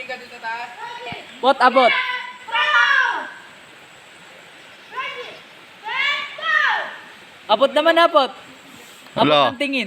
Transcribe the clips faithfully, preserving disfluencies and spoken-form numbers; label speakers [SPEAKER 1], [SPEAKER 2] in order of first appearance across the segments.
[SPEAKER 1] Bot, abot. Abot naman, abot. Abot
[SPEAKER 2] Wala.
[SPEAKER 1] ng tingin.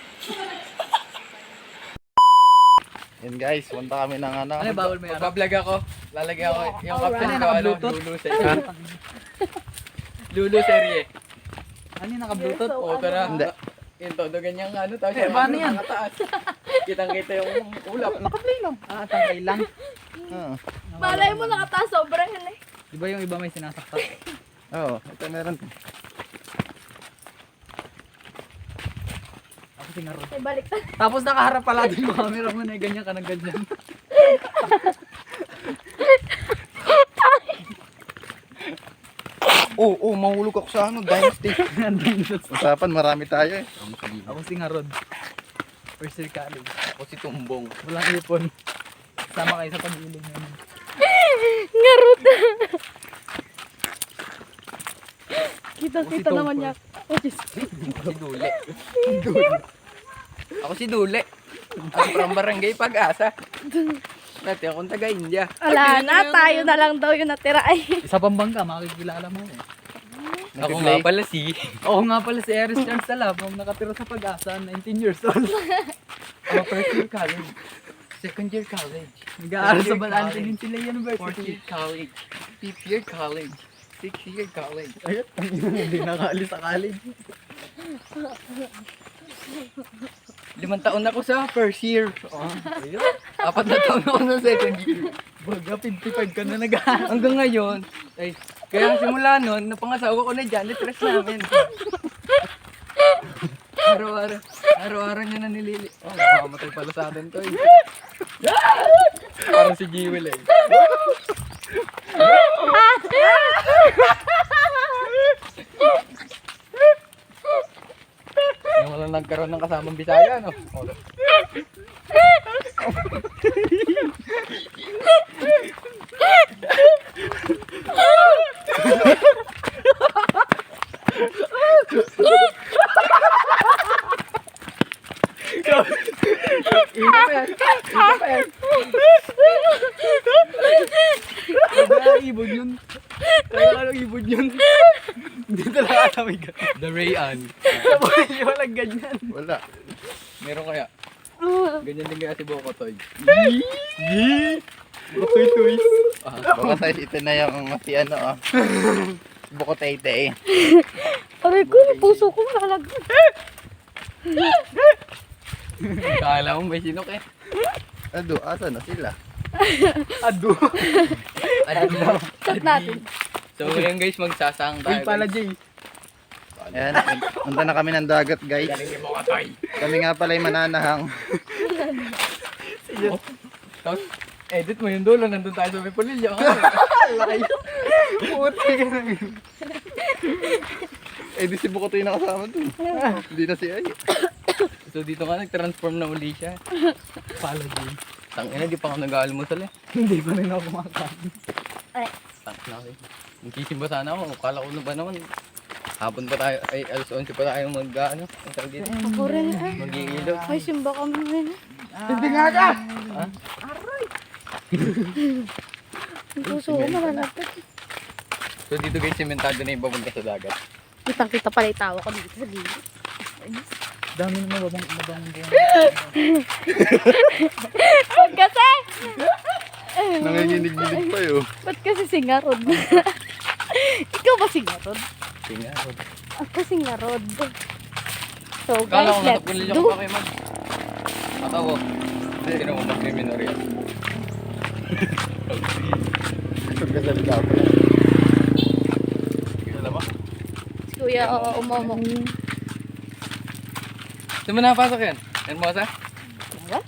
[SPEAKER 2] Yan guys, punta kami ng ano.
[SPEAKER 1] Ano, bawal may araw?
[SPEAKER 3] Magbablog ako. Lalagyan ako yung caption
[SPEAKER 1] Alright.
[SPEAKER 3] ko, ano,
[SPEAKER 1] Naka-Bluetooth?
[SPEAKER 3] Lulu serye. Lulu serye.
[SPEAKER 1] Ano yung naka-bluetooth?
[SPEAKER 3] Oo, tara.
[SPEAKER 2] Hindi.
[SPEAKER 3] Yung todo ganyan ano, tapos
[SPEAKER 1] Eh, paano yan?
[SPEAKER 3] nakataas. Kitang-kita yung ulap.
[SPEAKER 2] Nakaplay lang.
[SPEAKER 1] Ah, tangkay lang.
[SPEAKER 2] Oo.
[SPEAKER 4] Malay mo nakataas, sobrang yan eh.
[SPEAKER 1] Di ba yung iba may sinasaktan?
[SPEAKER 2] Oo, ito meron.
[SPEAKER 1] Ako singarot.
[SPEAKER 4] Ay, baliktad.
[SPEAKER 1] Tapos nakaharap pala din yung camera mo na ganyan ka ng ganyan.
[SPEAKER 2] Oo, oh, oh, mahulog ako sa ano, Dynasty. Usapan, marami tayo eh.
[SPEAKER 1] Ako singarod. First year college.
[SPEAKER 3] Ako si Tumbong.
[SPEAKER 1] Walang ipon. Sama kayo sa pag-iling namin.
[SPEAKER 4] Ngarot.
[SPEAKER 1] Ako
[SPEAKER 4] Kita-kita
[SPEAKER 1] si
[SPEAKER 4] naman
[SPEAKER 1] Tom
[SPEAKER 4] niya. Oh, Diyos.
[SPEAKER 3] Si Dule. Ako si Dule. Ako from Barangay Pag-asa. Dati akong taga-India.
[SPEAKER 4] Wala na, tayo na lang daw yung natira ay.
[SPEAKER 1] Isa pang bangka, makikilala mo eh.
[SPEAKER 3] Ako nga pala si...
[SPEAKER 1] Oo nga pala si Eris Charles Salabong, nakatira sa Pag-asa, nineteen years old.
[SPEAKER 3] Ako first year college. Second year college.
[SPEAKER 1] Nag-aaral sa
[SPEAKER 3] Third year
[SPEAKER 1] Balante
[SPEAKER 3] college.
[SPEAKER 1] Peninsula
[SPEAKER 3] Fourth
[SPEAKER 1] University.
[SPEAKER 3] year college. Fifth year college. Sixth year college.
[SPEAKER 1] Ayun, hindi nakaalis sa college.
[SPEAKER 3] Limang taon ako sa first year.
[SPEAKER 1] Oh, ayun.
[SPEAKER 3] Apat na taon ako sa second year.
[SPEAKER 1] Baga, fifty-five ka na nag-aaral.
[SPEAKER 3] Hanggang ngayon, ay, kaya simula nun, napangasawa ko na janitress namin. Araw-araw, araw-araw niya na nilili. Oh, makamatay pala sa atin to eh. Parang si Jewel eh. Yung wala nagkaroon ng kasamang Bisaya, no? Oh. Ina pa yan. Ina pa yan.
[SPEAKER 1] Baga, ibon yun. Kaya anong ibon yun? Hindi talaga alam yung ganyan.
[SPEAKER 3] The Rayan.
[SPEAKER 1] Hindi walang ganyan.
[SPEAKER 2] Wala.
[SPEAKER 3] Meron kaya? Ganyan din kaya si Bokotoy.
[SPEAKER 1] Bakoy twist.
[SPEAKER 3] Ah,
[SPEAKER 2] Baka tayo ito na yung si ano ah. Bukotete eh.
[SPEAKER 4] Aray ko, puso ko nalagyan.
[SPEAKER 3] kala mo may sinok eh.
[SPEAKER 2] Ado, asa na sila?
[SPEAKER 1] Ado.
[SPEAKER 3] Adi.
[SPEAKER 4] Chat natin.
[SPEAKER 3] So ngayon guys, magsasang tayo.
[SPEAKER 1] Uy pala,
[SPEAKER 3] guys.
[SPEAKER 1] Jay.
[SPEAKER 2] Ayan, punta na kami ng dagat guys.
[SPEAKER 3] Galing ni Bokotoy.
[SPEAKER 2] Kami nga pala yung mananahang.
[SPEAKER 3] Tapos, edit mo yung dulo, nandun tayo sa may pulilyo.
[SPEAKER 1] Layo. Puti ka na yun.
[SPEAKER 2] Eh di si Bukotoy nakasama dun. Hindi na si Ay.
[SPEAKER 3] So dito nga, nag-transform na uli siya.
[SPEAKER 1] Pala, Jay.
[SPEAKER 3] Tangina, di pa ako nag-aalmusal eh.
[SPEAKER 1] Hindi pa rin ako kumakain.
[SPEAKER 4] Ay,
[SPEAKER 3] Tangina ako eh. Nagsisimba sana ako, kala ko na ba naman. Hapon pa tayo, ay alas onse pa tayo mag, ano, ang tawag dito.
[SPEAKER 4] ako rin eh.
[SPEAKER 3] Mag-iilo.
[SPEAKER 4] May simba kami ngayon.
[SPEAKER 1] Hindi nga ka!
[SPEAKER 4] Ang puso ko malalapit.
[SPEAKER 3] So dito guys, simentado na yung papunta sa dagat.
[SPEAKER 4] Kitang-kita pala yung tawa ko dito sa gilid.
[SPEAKER 1] Dami naman babang babang buwan.
[SPEAKER 4] Ba't kasi?
[SPEAKER 2] Nanginginig-ginig pa yun.
[SPEAKER 4] Ba't kasi singarod? Ikaw ba singarod?
[SPEAKER 3] Tinga.
[SPEAKER 4] Ako singarod. So
[SPEAKER 3] Kala
[SPEAKER 4] guys,
[SPEAKER 3] ko
[SPEAKER 4] let's
[SPEAKER 3] natapulil
[SPEAKER 4] do.
[SPEAKER 3] ako kayo mag... Matawo. Sino mo mag-criminal yan?
[SPEAKER 2] Pagkasalita ako.
[SPEAKER 3] Alam mo?
[SPEAKER 4] Si Kuya, oo, umomo.
[SPEAKER 3] Saan mo napasok yan? Hermosa?
[SPEAKER 4] What?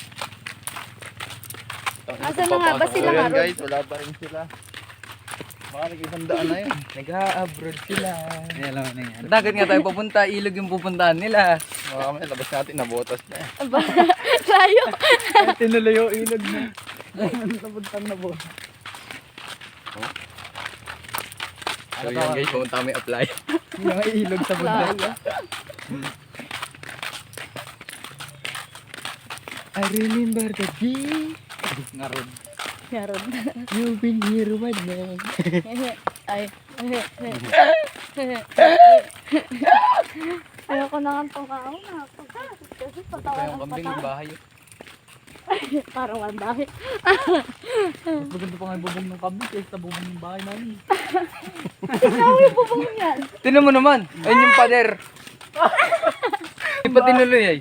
[SPEAKER 4] Asan na nga ba
[SPEAKER 2] So
[SPEAKER 4] sila
[SPEAKER 2] yan
[SPEAKER 4] nga ron?
[SPEAKER 2] guys, wala pa rin sila. Baka nag-isang daan na yun.
[SPEAKER 3] Nag-a-abroad sila.
[SPEAKER 1] Ay, alam mo na yan.
[SPEAKER 3] Dagat nga tayo papunta, ilog yung pupuntahan nila.
[SPEAKER 2] Baka kami, labas natin, nabotas na eh.
[SPEAKER 4] Aba, layo.
[SPEAKER 1] Tinuloy yung ilog na. Napuntan na po.
[SPEAKER 3] So yun guys, pumunta kami apply.
[SPEAKER 1] Yung mga ilog sa bundal.
[SPEAKER 3] I remember the day
[SPEAKER 1] Ngarod.
[SPEAKER 4] Meron.
[SPEAKER 3] You've been here with me.
[SPEAKER 4] Ay. Ayoko na nga itong kaon. Kasi
[SPEAKER 3] Ito
[SPEAKER 4] patawa
[SPEAKER 3] yung
[SPEAKER 4] ng
[SPEAKER 3] kambing
[SPEAKER 4] patawa.
[SPEAKER 3] ng bahay.
[SPEAKER 4] Parang ang dami.
[SPEAKER 1] Mas maganda pa nga yung bubong ng kambing kaysa sa bubong ng bahay namin.
[SPEAKER 4] Ikaw yung bubong yan.
[SPEAKER 3] Tinan mo naman. Ayun yung pader. Hindi pa tinuloy ay.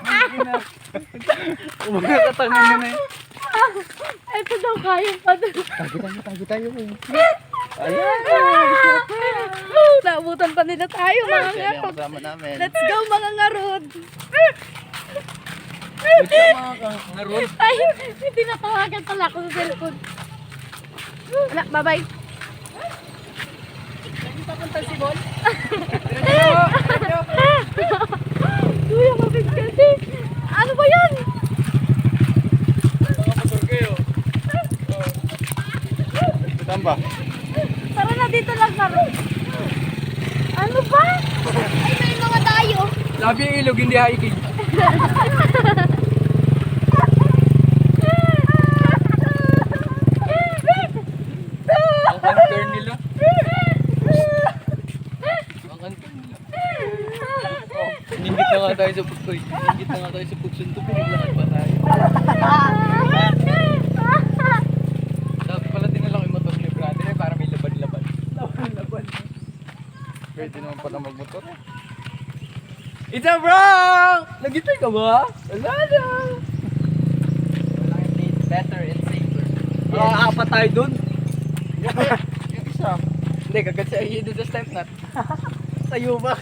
[SPEAKER 1] Umaga katangan na na eh.
[SPEAKER 4] Ito daw kaya pa doon.
[SPEAKER 3] Tago tayo, tago tayo.
[SPEAKER 4] Ayan. Naabutan pa nila tayo mga
[SPEAKER 2] Siya yung
[SPEAKER 4] ngarod.
[SPEAKER 2] kasama namin.
[SPEAKER 4] Let's go mga ngarod.
[SPEAKER 3] Ngarod.
[SPEAKER 4] Ay, hindi natawagan pala ako sa cellphone. Wala, bye-bye. Hindi papunta si Bon. Kuya, mabig kasi. Ano ba yan?
[SPEAKER 2] Saan ba?
[SPEAKER 4] Tara na dito lang ngarod. Ano ba? Ay, may mga tayo.
[SPEAKER 1] Labi yung ilog, hindi hiking.
[SPEAKER 3] Ang hunter nila. Ang hunter nila. Ningit na nga tayo sa pagkoy. Ningit na nga tayo sa pagsundo. Pinaglakad pa tayo. Dapat pala dinala ko yung motor ni brother eh, para may laban-laban.
[SPEAKER 1] Laban-laban.
[SPEAKER 3] Pwede naman pala magmotor eh.
[SPEAKER 1] It's a prank! Nagitay ka ba? Wala na.
[SPEAKER 3] Better and safer.
[SPEAKER 1] Ah, apat tayo dun.
[SPEAKER 3] Yung isa. Hindi, kagat sa iyo doon sa step nut.
[SPEAKER 1] Sa U-Max.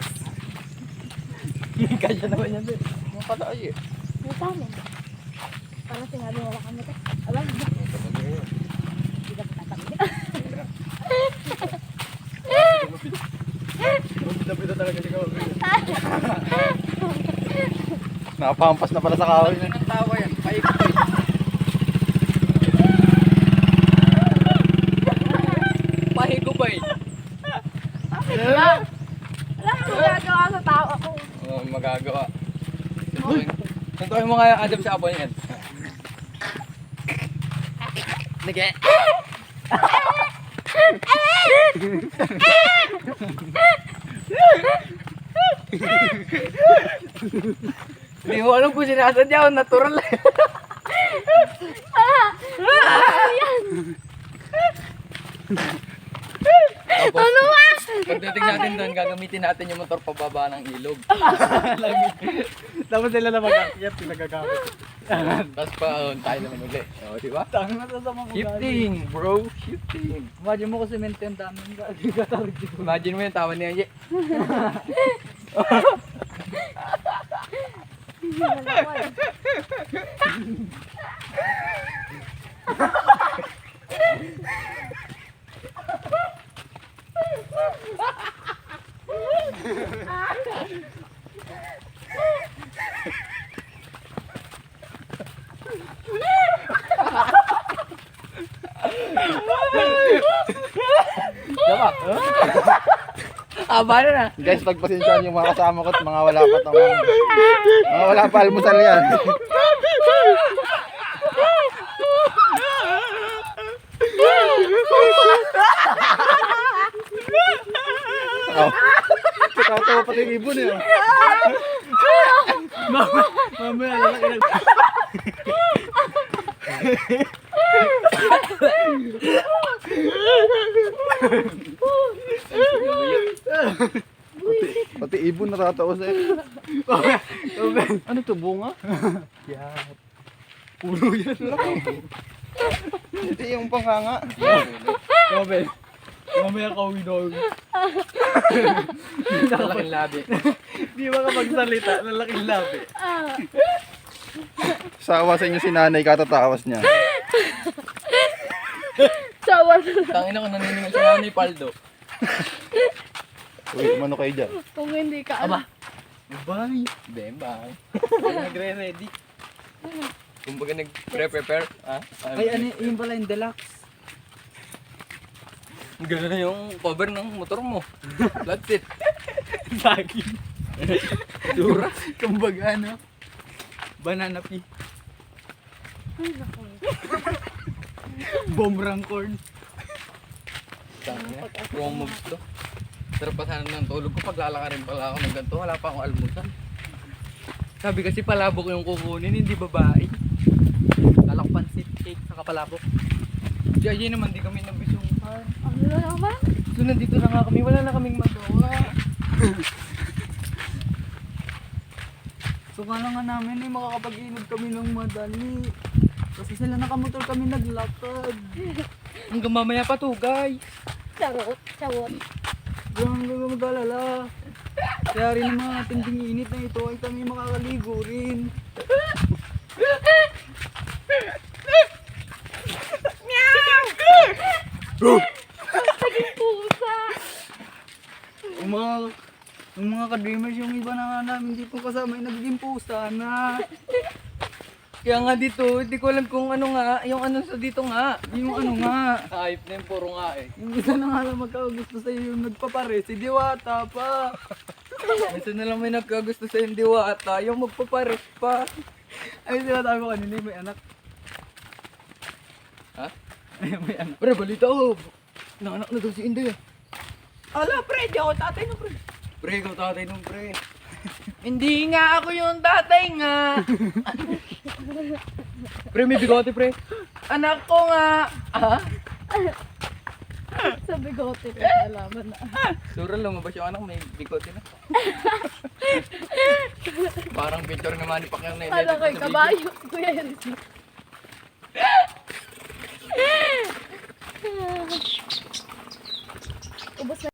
[SPEAKER 1] Kaya naman yan din.
[SPEAKER 3] Mga pala ay eh.
[SPEAKER 4] May tama. Parang sinabi wala kami ito. Alam mo. Hindi ka tatakot.
[SPEAKER 1] Pita-pita talaga si Kawag.
[SPEAKER 2] Nakapampas na pala sa kahoy.
[SPEAKER 3] Ano ng tawa yan? Paikot-ikot. Pahigupay.
[SPEAKER 4] Wala. Wala kang magagawa sa tao ako.
[SPEAKER 3] Oo, magagawa. Suntukin mo nga Adam sa apo niyan. Nage. Hindi mo alam kung sinasadya o natural lang. Tapos,
[SPEAKER 4] Ano ba?
[SPEAKER 3] pagdating natin doon, gagamitin natin yung motor pababa ng ilog.
[SPEAKER 1] Tapos sila na mag-akyat, pinagagamit.
[SPEAKER 3] Tapos pa, uh, tayo naman ulit. O, di ba?
[SPEAKER 1] Tangin na sa mga
[SPEAKER 3] Shifting, bro. Shifting.
[SPEAKER 1] Imagine mo kung semento yung dami yung gagawin dito.
[SPEAKER 3] Imagine mo yung tawa niya. Ye. Diba? Aba na na.
[SPEAKER 2] Guys, pagpasensyahan yung mga kasama ko at mga wala pa tong mga wala pa almusal yan. Oh. Tatawa pati yung ibon eh.
[SPEAKER 1] Mamaya, lalaki na.
[SPEAKER 2] Pati, pati ibon natatawa sa iyo. Ano to, bunga?
[SPEAKER 1] Yeah. Puno yan.
[SPEAKER 2] Hindi yung panganga.
[SPEAKER 1] Mabel. Mamaya kauwi daw.
[SPEAKER 3] Lalaking labi.
[SPEAKER 1] Di ba ka magsalita, lalaking labi.
[SPEAKER 2] Sawa sa inyo si nanay, katatawas niya.
[SPEAKER 4] Sawa na.
[SPEAKER 3] Tangina ko naniningan sa nanay Paldo.
[SPEAKER 2] Uy, umano kayo dyan.
[SPEAKER 4] Kung hindi ka.
[SPEAKER 3] Aba.
[SPEAKER 1] Bye.
[SPEAKER 3] Bembang. Nagre-ready. Kumbaga nag-prepare. Ah?
[SPEAKER 1] Ay, ano yun pala yung deluxe.
[SPEAKER 3] Ganun na yung cover ng motor mo. That's it.
[SPEAKER 1] Saging. Dura. Kumbaga ano. Banana pea.
[SPEAKER 4] Ay, naku.
[SPEAKER 1] Bombrang corn.
[SPEAKER 3] Tangina, wrong moves to. Sarap pa sana ng tulog ko, paglalakarin pala ako ng ganito, wala pa akong almusal. Sabi kasi palabok yung kukunin, hindi babae.
[SPEAKER 1] Kala ko pansit cake sa kapalabok.
[SPEAKER 3] Di ayun naman, di kami nabisungkan.
[SPEAKER 4] Ano na naman?
[SPEAKER 3] So nandito na nga kami, wala na kaming magawa.
[SPEAKER 1] So kala nga namin eh, makakapag-inog kami ng madali. Kasi sila nakamotor kami naglakad.
[SPEAKER 3] Hanggang mamaya pa to, guys.
[SPEAKER 4] Charot, charot.
[SPEAKER 1] Huwag kang mag-alala. Kaya rin ng mga tinding init na ito ay kami makakaligo rin.
[SPEAKER 4] Naging pusa.
[SPEAKER 1] Yung mga, yung mga ka-dreamers, yung iba na nga namin dito kasama ay nagiging pusa na.
[SPEAKER 3] Kaya nga dito, hindi ko alam kung ano nga, yung ano sa dito nga.
[SPEAKER 1] Yung ano nga.
[SPEAKER 3] Ayop na yung puro nga eh.
[SPEAKER 1] Yung isa na nga lang magkagusto sa'yo yung nagpapare, si Diwata pa.
[SPEAKER 3] Minsan na lang may nagkagusto sa yung diwata, yung magpapares pa.
[SPEAKER 1] Ay, sinasabi ko kanina may anak.
[SPEAKER 3] Ha?
[SPEAKER 1] Ay, may anak.
[SPEAKER 3] Pre, balita ko. Nanganak na daw si Inday ah.
[SPEAKER 1] Ala, pre, di ako tatay na, pre.
[SPEAKER 3] Pre, ikaw tatay nung pre. Hindi nga ako yung tatay nga. Pre, may bigote pre. Anak ko nga. Ah?
[SPEAKER 4] Sa bigote ko, nalaman na.
[SPEAKER 3] Sura lumabas yung anak, may bigote na. Parang picture nga Manny Pacquiao na
[SPEAKER 4] Kala ko'y kabayo. Kuya yan. Ubus na.